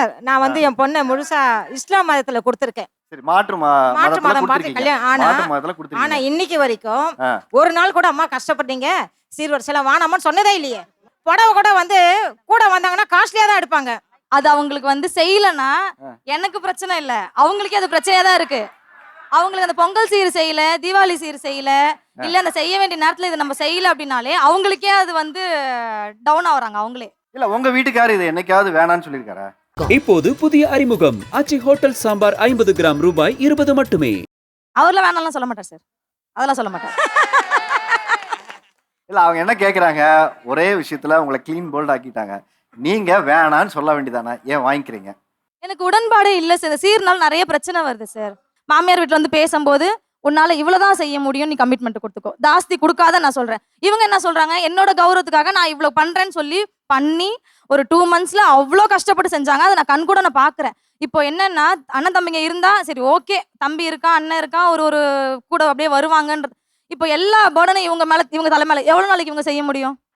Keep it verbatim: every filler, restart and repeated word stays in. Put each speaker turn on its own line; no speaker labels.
Sir நான் வந்து என் பொண்ணை முழுசா இஸ்லாம் மதத்துல கொடுத்துருக்கேன்.
சரி மாற்று மா
மாற்று
மதத்துல
மதம் பார்த்து
கொடுத்திருக்கீங்க.
கல்யாணம் ஆனா
மாற்று மதத்துல
ஆனா
கொடுத்திருக்கீங்க.
இன்னைக்கு வரைக்கும்
ஆ.
ஒரு நாள் கூட அம்மா கஷ்டப்பட்டீங்க சீர்வரிசைலாம் வானாமான்னு சொன்னதே இல்லையே. புடவை கூட வந்து கூட வந்தாங்கன்னா காஸ்ட்லியா தான் எடுப்பாங்க.
அது அவங்களுக்கு வந்து செய்யலன்னா எனக்கு பிரச்சனை இல்ல, அவங்களுக்கே அது பிரச்சனையா தான் இருக்கு. அவங்களுக்கு அந்த பொங்கல் சீர் செய்யல, தீபாவளி சீர் செய்யல, இல்ல அந்த செய்ய வேண்டிய நேரத்துல இதை நம்ம செய்யல அப்படின்னாலே அவங்களுக்கே அது வந்து டவுன் ஆகுறாங்க அவங்களே.
இல்ல உங்க வீட்டுக்காரர் இது என்னைக்காவது வேணான்னு சொல்லியிருக்காரா?
இப்போது புதிய அறிமுகம் ஆச்சி ஹோட்டல் சாம்பார் ஐம்பது கிராம் ரூபாய் இருபது மட்டுமே.
அவர்லாம் வேணாம்லாம் சொல்ல மாட்டார் சார், அதெல்லாம் சொல்ல மாட்டார்.
இல்ல அவங்க என்ன கேக்குறாங்க, ஒரே விஷயத்துல உங்களை கிளீன் போல்ட் ஆக்கிட்டாங்க, நீங்க வேணான்னு சொல்ல வேண்டியதானே, ஏன் வாங்கிக்கிறீங்க?
எனக்கு உடன்பாடே இல்ல சார். சீர்னால நிறைய பிரச்சனை வருது சார். மாமியார் வீட்டுல வந்து பேசும்போது உன்னால இவ்வளவுதான் செய்ய முடியும், நீ கமிட்மெண்ட் கொடுத்துக்கோ, ஜாஸ்தி கொடுக்காத நான் சொல்றேன். இவங்க என்ன சொல்றாங்க, என்னோட கௌரவத்துக்காக நான் இவ்வளவு பண்றேன்னு சொல்லி பண்ணி ஒரு டூ மந்த்ஸ்ல அவ்வளோ கஷ்டப்பட்டு செஞ்சாங்க. அதை நான் கண் கூட நான் பாக்குறேன். இப்போ என்னன்னா அண்ணன் தம்பிங்க இருந்தா சரி ஓகே, தம்பி இருக்கான் அண்ணன் இருக்கான் ஒரு ஒரு கூட அப்படியே வருவாங்கன்றது. இப்போ எல்லா பர்டனும் இவங்க மேல இவங்க தலை மேல எவ்வளவு நாளைக்கு இவங்க செய்ய முடியும்?